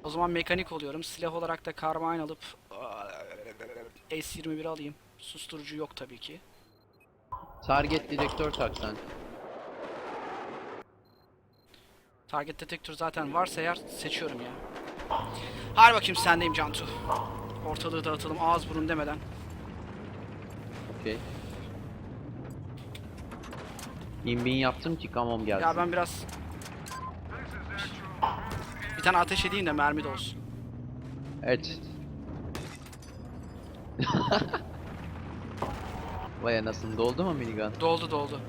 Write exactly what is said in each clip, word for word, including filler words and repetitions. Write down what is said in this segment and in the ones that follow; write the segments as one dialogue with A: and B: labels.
A: O zaman mekanik oluyorum. Silah olarak da Carbine alıp S yirmi bir alayım. Susturucu yok tabii ki.
B: Target dedektör taksan.
A: Target detektör zaten varsa eğer seçiyorum ya. Hadi bakayım sendeyim Cantu. Ortalığı dağıtalım ağız burun demeden.
B: Okey. İmbin yaptım ki kamom gelsin.
A: Ya ben biraz... Bir tane ateş edeyim de mermi de olsun.
B: Evet. Vay anasını, doldu mu minigun?
A: Doldu doldu.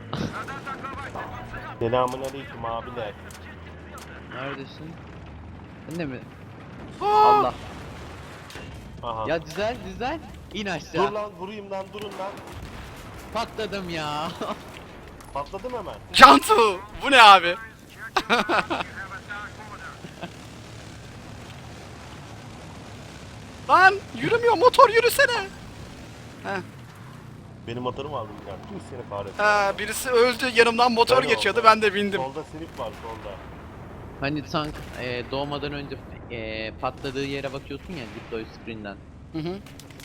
C: Selamünaleyküm abiler.
B: Neredesin? Sen de mi?
A: Aa!
B: Allah.
C: Aha.
B: Ya düzel düzel. İn
C: Dur
B: aşağı.
C: lan vurayım lan durun lan.
B: Patladım ya.
C: Patladım hemen.
A: Cantu! Bu ne abi? Lan yürümüyor motor yürüsene. Heh.
C: Benim motorum aldım ya. Kim seni kahretsin.
A: Ha, birisi öldü yanımdan motor
C: Ben
A: geçiyordu
C: oldu.
A: ben de bindim.
C: Solda sinip var solda.
B: Hani tank e, doğmadan önce e, patladığı yere bakıyorsun ya deploy screen'den.
A: Hı hı.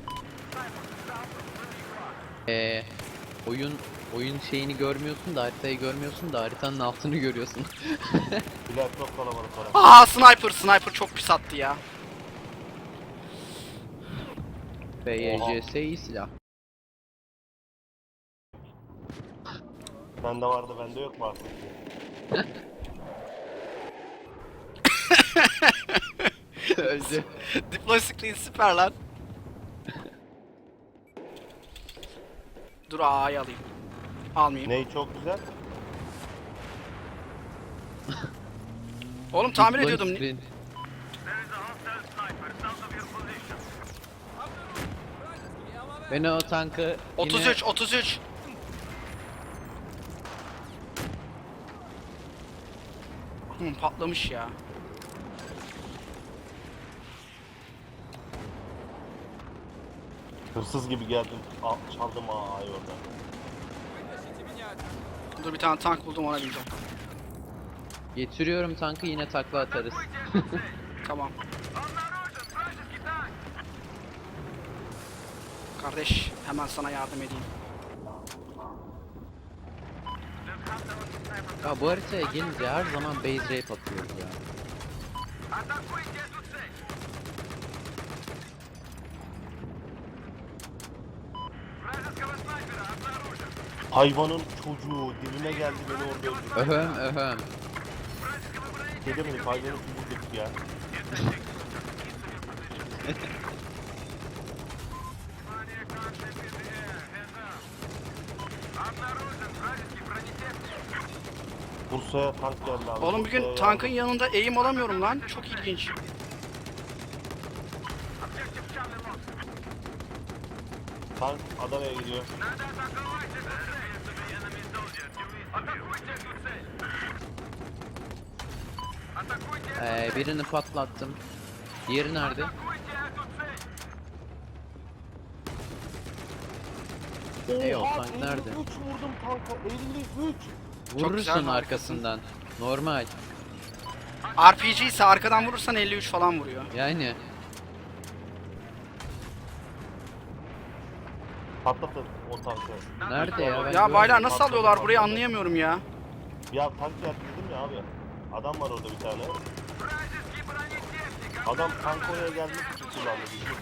B: E, oyun oyun şeyini görmüyorsun da, haritayı görmüyorsun da haritanın altını görüyorsun.
C: Bilal çok kalabalık orası.
A: Aa sniper sniper çok pis attı ya.
B: P Y C S iyi silah.
C: Bende vardı bende yok mu artık?
B: Öldü.
A: Deploy screen süper lan. Dur A'yı alayım. Almayayım.
C: Ney çok güzel.
A: Oğlum tamir
B: Deploy
A: ediyordum.
B: screen. Ben o tankı yine...
A: otuz üç otuz üç. Hı, patlamış ya.
C: Hırsız gibi geldim. Al, çaldım A'yı orada.
A: Dur bir tane tank buldum ona bineceğim.
B: Getiriyorum tankı, yine takla atarız.
A: Tamam. Kardeş hemen sana yardım edeyim.
B: Ya bu haritaya gelince her zaman base rape atıyoruz ya.
C: Hayvanın çocuğu dibime geldi beni orada öldürdü.
B: Öhöm öhöm.
C: Dedim hayvanın çocuğu dedik ya. Bursa'ya tank geldi abi.
A: Oğlum bugün
C: Bursa'ya
A: tankın
C: yardım.
A: yanında eğim alamıyorum lan. Çok ilginç.
C: Tank Adana'ya gidiyor.
B: Ee, birini patlattım. Diğeri nerede? Ey o
C: Oha,
B: tank nerede?
C: elli üç vurdum tanka elli üç.
A: Çok
B: Vurursun
A: güzel,
B: arkasından. Normal.
A: R P G ise arkadan vurursan elli üç falan vuruyor.
B: Yani.
C: Patlatın o tankı.
B: Nerede ya? Ben
A: Ya
B: görmedim.
A: baylar nasıl alıyorlar burayı anlayamıyorum ya.
C: Ya tank geldi dedim ya abi. Adam var orada bir tane. Adam tank oraya gelmek için kullandı bizi.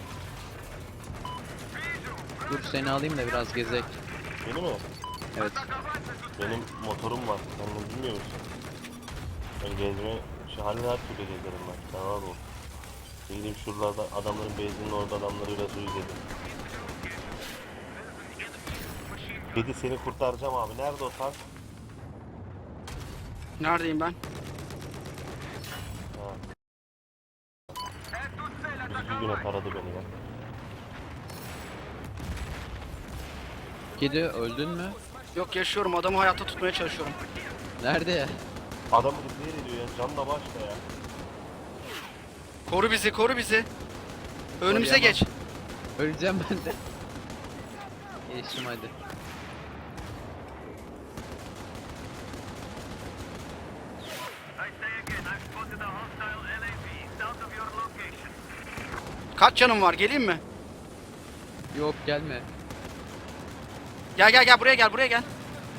B: Dur seni alayım da biraz gezek.
C: Beni mi?
B: Evet.
C: Benim motorum var. Sen bunu bilmiyor musun? Ben gezme, şu halde her türlü gezerim ben. Sen rahat ol. Gideyim şuralarda adamların base'inin orada adamları biraz uyuz edeyim. Kedi seni kurtaracağım abi. Nerede o tank?
A: Neredeyim ben?
C: Ha. Bir güne taradı beni ya.
B: Kedi öldün mü?
A: Yok yaşıyorum adamı hayatta tutmaya çalışıyorum.
B: Nerede ya?
C: Adamı repair ediyor ya. Canla başla ya.
A: Koru bizi koru bizi. Önümüze
B: Koruyamam.
A: geç.
B: Öleceğim ben de. Geçtim hadi.
D: I say again, I've spotted a hostile L A V south of
A: Kaç canım var? Geleyim mi?
B: Yok gelme.
A: Gel gel gel buraya gel buraya gel.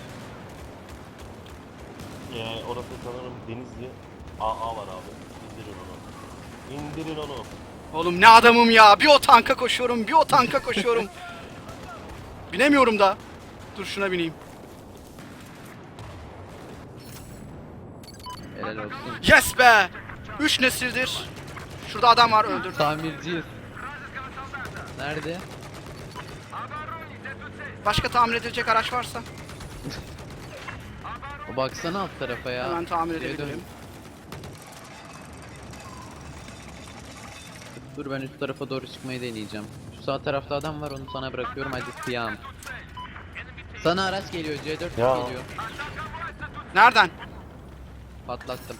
C: Ee, orası sanırım Denizli. A A var abi. İndirin onu. İndirin onu.
A: Oğlum ne adamım ya. Bir o tanka koşuyorum, bir o tanka koşuyorum. Binemiyorum da. Dur şuna bineyim.
B: Helal olsun.
A: Yes be! Üç nesildir. Şurada adam var öldür.
B: Tamirciyiz. Nerede?
A: Başka tamir edilecek araç varsa
B: O baksana alt tarafa ya.
A: hemen tamir
B: Şuraya dön.
A: edebilirim.
B: Dur ben üst tarafa doğru çıkmayı deneyeceğim. Şu sağ tarafta adam var, onu sana bırakıyorum, hadi kıyam. Sana araç geliyor, C dört
C: Ya.
B: geliyor.
A: Nereden?
B: Patlattım.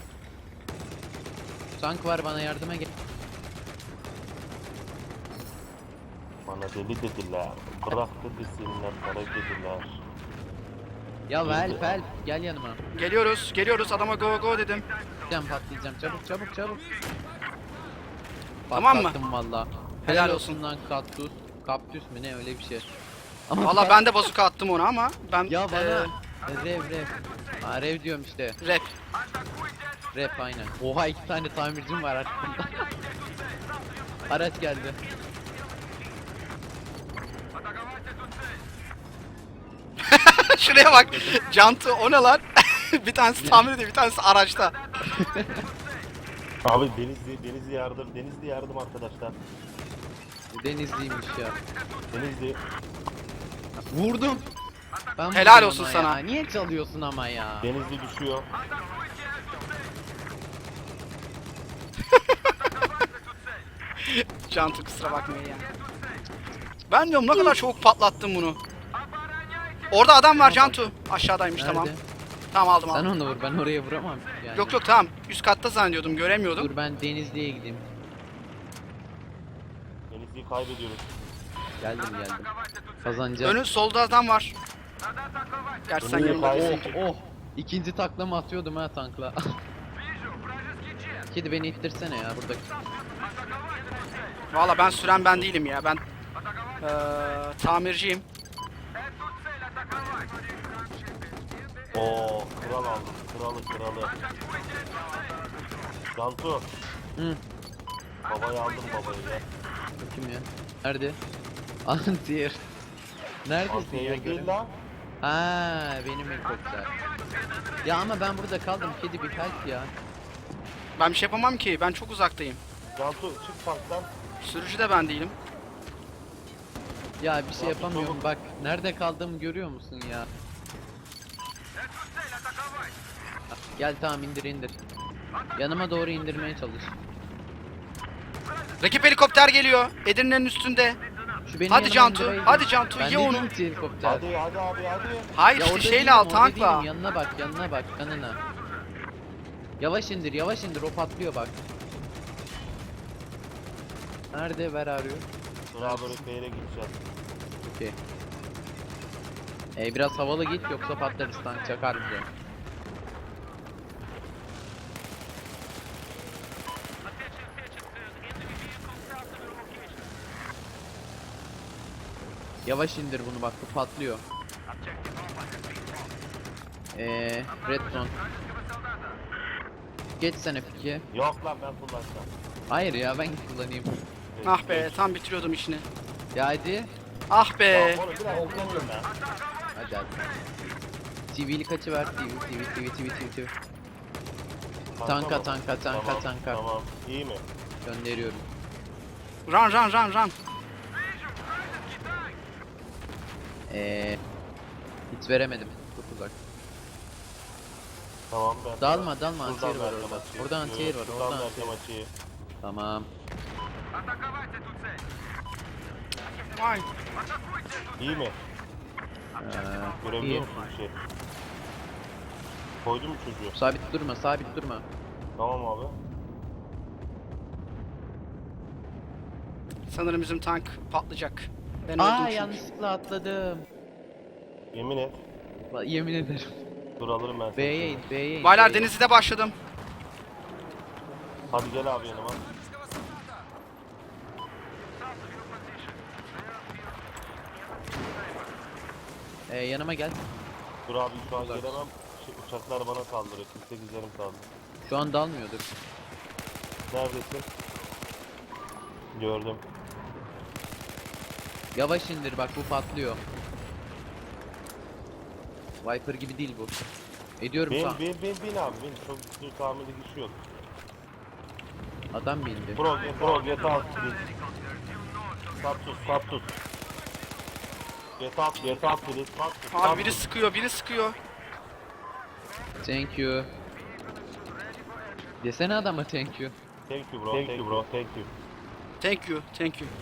B: Tank var, bana yardıma gel.
C: Bana deli dediler. Bıraktı desinler, kara dediler.
B: Ya help help, gel yanıma.
A: Geliyoruz, geliyoruz. Adama go go dedim.
B: Patlayacağım patlayacağım, çabuk çabuk çabuk.
A: Tamam mı?
B: Patlattım valla.
A: Helal
B: Helal
A: olsun.
B: olsun lan kaktüs. Kaktüs mü ne, öyle bir şey. Ama
A: Valla ben de bazuka attım ona ama ben
B: Ya bana
A: eee,
B: rev rev. Ha rev diyorum işte.
A: rap.
B: Rap aynen. Oha iki tane tamircim var arkamda. Araç geldi.
A: Şuraya bak. Cantu o ne lan? Bir tanesi tamir ediyor, bir tanesi araçta.
C: Abi Denizli, Denizli yardım, Denizli yardım arkadaşlar.
B: Denizliymiş ya.
C: Denizli.
B: Vurdum. Ben
A: Helal
B: vurdum
A: olsun
B: ona
A: sana.
B: ya. Niye çalıyorsun ama ya?
C: Denizli düşüyor.
A: Cantu kusura bakmayın ya. Ben diyorum ne kadar çabuk patlattım bunu. Orada adam var Cantu. Aşağıdaymış
B: Nerede?
A: tamam. Tamam aldım
B: Sen
A: aldım.
B: onu vur, ben oraya vuramam yani.
A: Yok yok tamam. Üst katta zannediyordum, göremiyordum.
B: Dur ben Denizli'ye gideyim.
C: Denizli'yi kaybediyoruz.
B: Geldim geldim. Kazanacağım.
A: Önü solda adam var. Gerçi sen
C: Önü
A: yanımda
C: kay-
A: değilsin.
B: Oh oh. İkinci taklamı atıyordum ha tankla. Kedi beni ittirsene ya burada.
A: Valla ben süren ben değilim ya. Ben eee tamirciyim.
C: Oo, kral aldım. Kralı kralı. Cantu.
B: Hı.
C: Babayı aldım babayı ya.
B: Kim ya? Nerede? Antier. Neredesin ya?
C: Antiye değil
B: Göremiyorum.
C: lan.
B: Ha benim helikopter. Ya ama ben burada kaldım, kedi bir help ya.
A: Ben bir şey yapamam ki. Ben çok uzaktayım.
C: Cantu çık tanktan.
A: Sürücü de ben değilim.
B: Ya bir şey
C: Ya,
B: yapamıyorum
C: çabuk.
B: bak, nerede kaldığımı görüyor musun ya? Gel tamam, indir indir. Yanıma doğru indirmeye çalış.
A: Rakip helikopter geliyor. Edirne'nin üstünde.
B: Şu beni
A: Hadi
B: yanıma
A: Cantu,
B: indireydin.
A: hadi Cantu,
B: Ben
A: ye
B: değilim
A: onu.
B: ki helikopter.
C: Hadi hadi abi hadi.
A: Hayır
B: Ya
A: işte
B: orada
A: şeyle
B: değilim,
A: al
B: orada
A: tankla.
B: değilim. Yanına bak, yanına bak, yanına. Yavaş indir, yavaş indir, o patlıyor bak. Nerede, ver arıyor.
C: Bravo Bey'e gideceğiz.
B: Okey. Ee, biraz havalı git yoksa patlarız, tank çakar bize. Yavaş indir bunu bak, bu patlıyor. Eee Redstone. Geç sen F ikiye.
C: Yok lan ben kullansam.
B: Hayır ya, ben kullanayım.
A: Ah be tam bitiriyordum işini.
B: Ya hadi.
A: Ah be.
C: Tamam oğlum biraz kullanıyorum ben.
B: Hadi hadi. T V'li kaçı ver, T V, T V, T V, T V, T V, T V. Tanka,
C: mı?
B: tanka, tanka,
C: Tamam,
B: tanka.
C: Tamam iyi mi?
B: Gönderiyorum.
A: Run run run run.
B: Eee hiç veremedim. Çok uzak.
C: Tamam ben.
B: Dalma dalma,
C: Şuradan
B: antiyer var
C: vereceğim
B: orada.
C: açıyı.
B: Orada antiyer var,
C: Şuradan
B: orada
C: vereceğim
B: antiyer.
C: açıyı.
B: Tamam.
A: Vay.
C: İyi mi?
B: Ee,
C: Görebiliyor
B: iyi.
C: musun bir şey? Koydun mu çocuğu?
B: Sabit durma, sabit durma.
C: Tamam abi.
A: Sanırım bizim tank patlayacak. Ben öldüm
B: Aa
A: çünkü.
B: yanlışlıkla atladım.
C: Yemin et.
B: Va- Yemin ederim.
C: Dur alırım ben seni.
B: B'ye in, B'ye in.
A: Baylar
B: B'ye in.
A: Denizli'de başladım.
C: Hadi gel abi yanıma.
B: Ee, yanıma gel.
C: Dur abi şu an
B: Uzak.
C: gelemem. Şey, uçaklar bana saldırıyor. kırk sekiz yarım kaldı.
B: Şu an dalmıyordur.
C: Neredesin? Gördüm.
B: Yavaş indir bak, bu patlıyor. Viper gibi değil bu. Ediyorum
C: Bin
B: sağ.
C: bin bin bin abi bin. Çok dur tahmini güçü yok.
B: Adam bindi.
C: Pro get pro get out please. Status status. Get out get out please. Status,
A: Abi biri
C: status.
A: sıkıyor, biri sıkıyor.
B: Thank you. Desene adama thank you.
C: Thank you bro. Thank you bro. Thank you.
A: Thank you, thank you.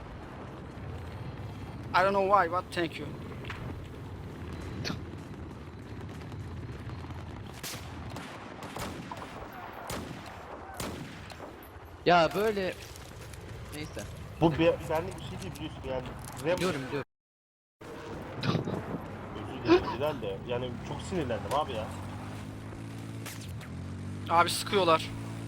A: I don't know why, but thank you.
B: Ya böyle... Neyse.
C: Bu bir senlik bir şey değil biliyorsun yani. Rem
B: Biliyorum biliyorum.
C: özür dilerim Bilal de yani çok sinirlendim abi ya.
A: Abi sıkıyorlar.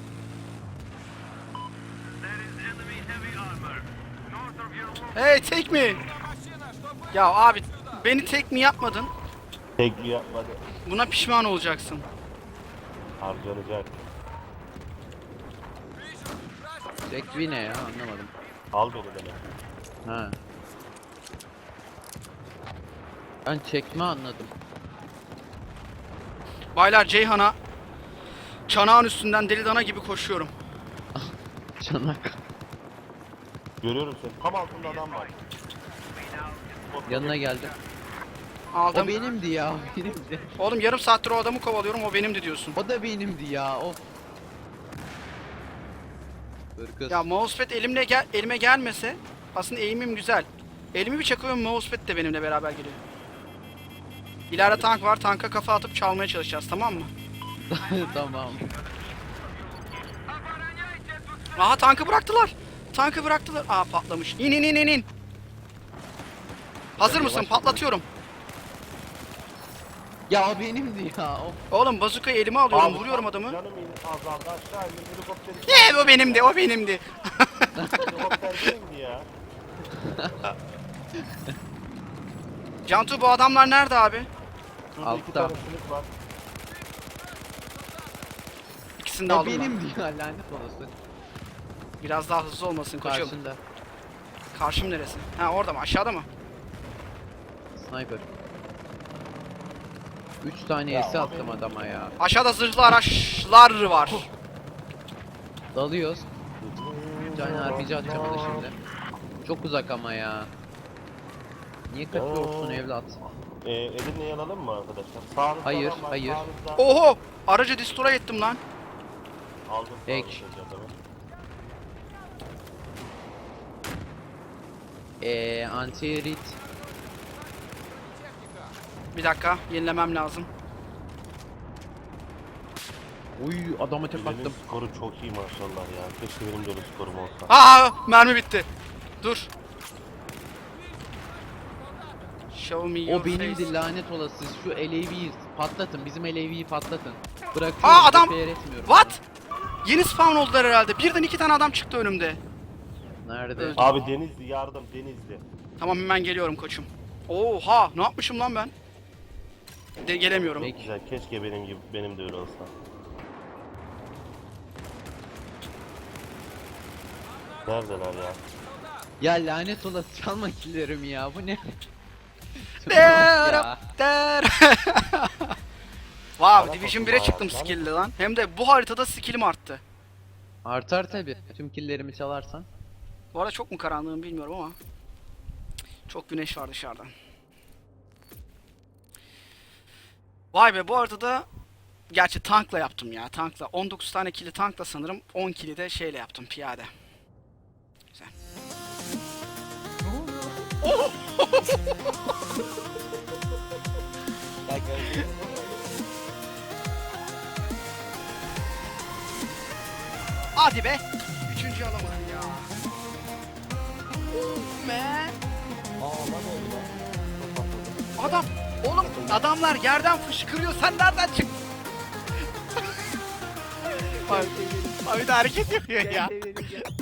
A: Hey, take me. Ya abi beni tek mi yapmadın?
C: Tek yapmadı.
A: Buna pişman olacaksın.
C: Harcanacak.
B: Tekvi ne ya, anlamadım.
C: Al beni demek.
B: Ha. Ben çekme anladım.
A: Baylar Ceyhan'a çanağın üstünden deli dana gibi koşuyorum.
B: Çanak.
C: Görüyorum seni. Tam altında adam var.
B: Yanına geldim. O
A: Aldım.
B: benimdi ya, o benimdi.
A: Oğlum yarım saattir o adamı kovalıyorum, o benimdi diyorsun.
B: O da benimdi ya, of. Hırkız.
A: Ya mousepad elimle gel elime gelmese aslında eğimim güzel. Elimi bir çakıyorum, mousepad de benimle beraber geliyor. İleride tank var, tanka kafa atıp çalmaya çalışacağız, tamam mı?
B: Tamam.
A: Aha tankı bıraktılar. Tankı bıraktılar. Aa patlamış. İn in in in in. Hazır
B: Biraz
A: mısın?
B: yavaş
A: Patlatıyorum.
B: Ya o benimdi ya, of.
A: Oğlum bazukayı elime alıyorum,
C: Abi,
A: vuruyorum adamı.
C: Canım in azaldı aşağı indim helikopteri.
A: Eee o benimdi, o benimdi.
C: Helikopter benimdi ya.
A: Cantu bu adamlar nerede abi?
C: Şurada iki
B: Altta.
C: tane sınıf var.
A: İkisini de
B: O
A: aldım ben.
B: benimdi ya, lanet olası.
A: Biraz daha hızlı olmasın koçum.
B: Karşında.
A: Karşım neresi? Ha orada mı? Aşağıda mı?
B: Sniper. Üç tane
C: Ya,
B: esi
C: o
B: attım
C: benim.
B: adama ya.
A: Aşağıda zırhlı araçlar var.
B: Dalıyoruz. Bir tane R P G atacağım ona şimdi. Çok uzak ama ya. Niye kaçıyorsun
C: Oo.
B: evlat?
C: Ee, elinle yanalım mı arkadaşlar? Sağınızda
B: Hayır,
C: adam var,
B: hayır.
C: sağınızda-
A: Oho! Aracı destroy ettim lan.
C: Aldım
B: Ek.
C: sağınızda adamı.
B: Eee anti-rit.
A: Bir dakika, yenilemem lazım.
B: Uy adama tek
C: Bilal'in
B: attım.
C: skoru çok iyi maşallah ya. Keşke benim de öyle skorum olsa.
A: Aa, mermi bitti. Dur. Show me your
B: O benimdi
A: face.
B: lanet olası. Şu L A V'yi patlatın. Bizim L A V'yi patlatın. Bırakıyorum.
A: Aa, adam-
B: repair etmiyorum.
A: What? Yeni spawn oldular herhalde. Birden iki tane adam çıktı önümde.
B: Nerede?
A: Öldü.
C: Abi Denizli yardım Denizli.
A: Tamam hemen geliyorum koçum. Oha, ne yapmışım lan ben? De gelemiyorum.
B: Peki.
C: Güzel keşke benim gibi benim de öyle olsa. Neredeler ya?
B: Ya lanet olası, çalma killerimi ya. Bu ne?
A: Der,
B: Ya.
A: der. Wow,
C: Bana
A: Division
C: bakın
A: bire
C: bayağı,
A: çıktım
C: lan.
A: skill'li lan. Hem de bu haritada skill'im arttı.
B: Artar tabi. Tüm killerimi çalarsan.
A: Bu arada çok mu karanlığım bilmiyorum ama. Çok güneş var dışarıda. Vay be, bu haritada gerçi tankla yaptım ya, tankla. on dokuz tane kili tankla sanırım, on kili de şeyle yaptım, piyade. Güzel. Hadi be. Üçüncü alamadım ya. Oh man. Adam. Oğlum adamlar yerden fışkırıyor. Sen nereden çıktın? Abi, abi de hareket yapıyor ya.